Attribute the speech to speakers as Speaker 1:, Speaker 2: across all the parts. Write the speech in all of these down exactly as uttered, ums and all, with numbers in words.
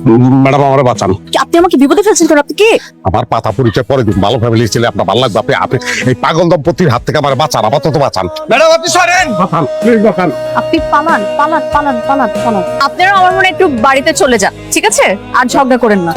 Speaker 1: Madam আমারে বাঁচান।
Speaker 2: আপনি আমাকে বিপদে ফেলছেন কেন? আপনি কে?
Speaker 1: আমার পাতা পরিচয় পরে দিন, ভালো ফ্যামিলি ছেলে, আপনার ভালো লাগবে। আপনি আপনি এই পাগল দম্পতির হাত থেকে আমার বাঁচান, আপাতত বাঁচান ম্যাডাম। আপনি সরেন, বাঁচান প্লিজ, বাঁচান।
Speaker 2: আপনি পালান পালান পালান পালান পালান। আপনারা আমার মনে একটু বাড়িতে চলে যান, ঠিক আছে? আর ঝগড়া করেন না।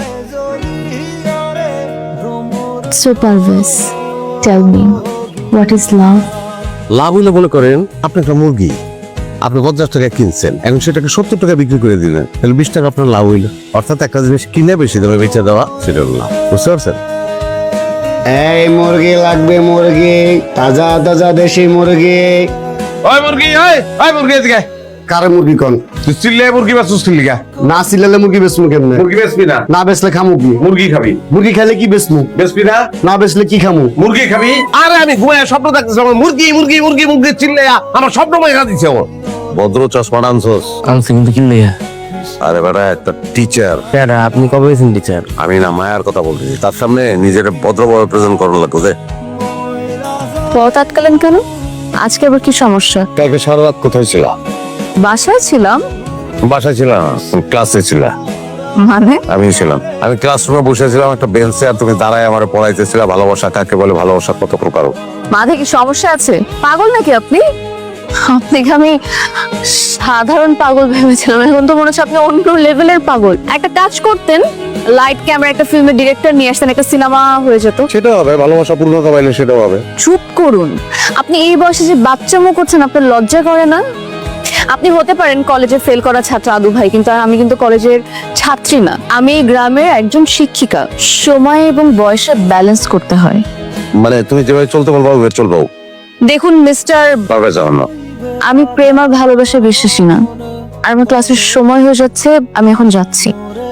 Speaker 3: So Parvez, tell me, what is love?
Speaker 4: লাভ হইলে মনে করেন আপনি একটা মুরগি আপনি পঞ্চাশ টাকা কিনছেন, এখন সেটাকে সত্তর টাকা বিক্রি করে দিলেন, তাহলে বিশ টাকা আপনার লাভ হইলো। অর্থাৎ একটা জিনিস কিনে বেশি দামে বেচে দেওয়া, সেটা হলো লাভ। বুঝতে পারছেন?
Speaker 5: এই মুরগি লাগবে, মুরগি তাজা তাজা দেশি মুরগি।
Speaker 1: ওই মুরগি, ওই ওই মুরগি এদিকে।
Speaker 5: কারে মুরগি কোন?
Speaker 1: তুই চিল্লে মুরগি বেচছিস কি লিগা?
Speaker 5: না সিলালে মুরগি বেচমু কেমনে?
Speaker 1: মুরগি বেচবি না?
Speaker 5: না বেচলে খামু কি?
Speaker 1: মুরগি খাবি।
Speaker 5: মুরগি খাইলে কি বেচমু?
Speaker 1: বেচবি না?
Speaker 5: না বেচলে কি খামু?
Speaker 1: মুরগি খাবি। আরে আমি ঘুমায় স্বপ্ন দেখতেছি, আমার মুরগি মুরগি মুরগি মুরগি চিল্লে আমার স্বপ্ন মাইরা দিছে। ও
Speaker 4: ভদ্র চশমা আনছোস?
Speaker 6: আনছি কিন্তু কিনলে।
Speaker 4: আরে বেটা, একটা টিচার।
Speaker 6: স্যার আপনি কবে হয়েছেন টিচার?
Speaker 4: আমি না মায়ার কথা বলতেছি, তার সামনে নিজের ভদ্রভাবে প্রেজেন্ট করার লাগতো যে।
Speaker 3: পথ আটকালেন কেন? আজকে আবার কি সমস্যা?
Speaker 4: কালকে সারা রাত কোথায় ছিল?
Speaker 3: বাসায় ছিলাম।
Speaker 4: বাসায় ছিলাম, ক্লাসে ছিল।
Speaker 3: মানে?
Speaker 4: আমি ছিলাম, আমি ক্লাসরুমে বসেছিলাম একটা বেঞ্চে, আর তুমি দাঁড়ায় আমার পড়াইতেছিল ভালোবাসা কাকে বলে, ভালোবাসা কত প্রকার।
Speaker 3: মাঝে কি সমস্যা আছে? পাগল নাকি আপনি? আপনাকে আমি সাধারণ পাগল ভেবেছিলাম, এখন তো মনে হচ্ছে আপনি অন্য লেভেলের পাগল। একটা কাজ করতেন, লাইট ক্যামেরা একটা ফিল্মের ডিরেক্টর নিয়ে আসতেন, একটা সিনেমা হয়ে যেত।
Speaker 4: সেটা হবে, ভালোবাসা পূর্ণতা পাইলে সেটাও হবে।
Speaker 3: চুপ করুন। আপনি এই বয়সে যে বাচ্চামো করছেন, আপনার লজ্জা করে না? আপনি হতে পারেন কলেজে ফেল করা ছাত্র আদু ভাই, কিন্তু আমি কিন্তু কলেজের ছাত্রী না, আমি এই গ্রামের একজন শিক্ষিকা। সময় এবং বয়সে ব্যালেন্স করতে হয়।
Speaker 4: মানে তুমি যেভাবে চলতে বলবো ওইভাবে চলবো।
Speaker 3: দেখুন মিস্টার,
Speaker 4: পারবে যাও না।
Speaker 3: আমি প্রেম আর ভালোবাসা বিশ্বাসী না। আর আমার ক্লাসের সময় হয়ে যাচ্ছে, আমি এখন যাচ্ছি।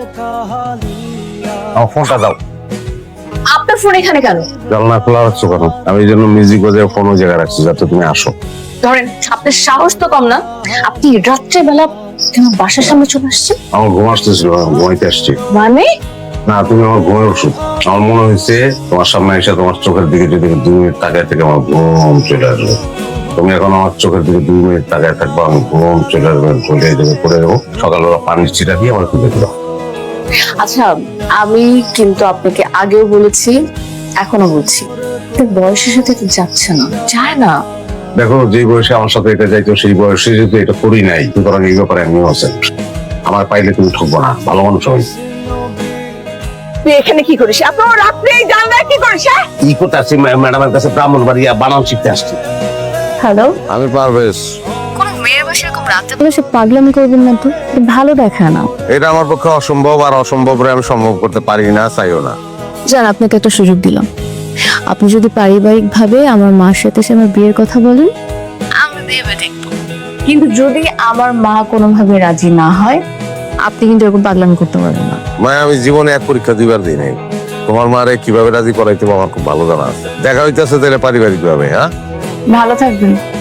Speaker 4: আমার ফোনটা দাও।
Speaker 2: আপনার ফোন এখানে কেন?
Speaker 4: জানলা খোলা রাখছো কেন? আমি এই জন্য মিউজিক বাজায় ফোন ওই জায়গায় রাখছি যাতে তুমি আসো।
Speaker 2: ধরেন, আপনার সাহস তো কম না। আপনি রাত্রেবেলা কেন বাসার সামনে চলে আসছেন?
Speaker 4: আমার ঘুম আসতেছিল, ঘুমাইতে আসছি।
Speaker 2: মানে?
Speaker 4: না, তুমি আমার ঘুমের ওষুধ। আমার মনে হয়েছে তোমার সামনে এসে তোমার চোখের দিকে যদি দুই মিনিট তাকায় থেকে আমার ঘুম চলে আসবে। তুমি এখন আমার চোখের দিকে দুই মিনিট তাকায় থাকবো, আমি ঘুম চলে আসবে, চলে যাবে, করে দেবো। সকালবেলা পানির চিটা দিয়ে আমার খুঁজে দিল।
Speaker 2: আচ্ছা, আমি কিন্তু আপনাকে আগেও বলেছি, এখনো বলছি, বয়সের সাথে তো যাচ্ছে না, যায় না।
Speaker 4: দেখো, যে বয়সে আমার সাথে এটা যাইতো সেই বয়সে যদি এটা করি নাই, সুতরাং এই ব্যাপারে আমিও আছেন। আমার পাইলে তুমি ঠকবো না, ভালো মানুষ হই।
Speaker 2: তুই এখানে কি করিস? আপনার রাত্রে জানলায় কি করিস?
Speaker 4: কি করতে আসছি? ম্যাডামের কাছে ব্রাহ্মণ বাড়িয়া বানান শিখতে আসছি।
Speaker 3: হ্যালো,
Speaker 4: আমি পারভেজ।
Speaker 3: কোন মেয়ের বসে এরকম রাতে বসে পাগলামি করবেন না তো, ভালো দেখা না।
Speaker 4: এটা আমার পক্ষে অসম্ভব, আর অসম্ভব আমি সম্ভব করতে পারি না, চাইও না।
Speaker 3: জান, আপনাকে একটা সুযোগ দিলাম। আপনি যদি পারিবারিক ভাবে আমার মার সাথে এসে আমার বিয়ের কথা বলেন, আমি ভেবে দেখবো। কিন্তু যদি আমার মা কোনোভাবে রাজি না হয়, আপনি কিন্তু এরকম পাগলামি করতে পারবেন না।
Speaker 4: মানে আমি জীবনে এক পরীক্ষা দুইবার দিই নাই। তোমার মারে কিভাবে রাজি করাইতে আমার খুব ভালো জানা আছে। দেখা হইতেছে তাহলে পারিবারিক ভাবে। হ্যাঁ,
Speaker 3: ভালো থাকবেন।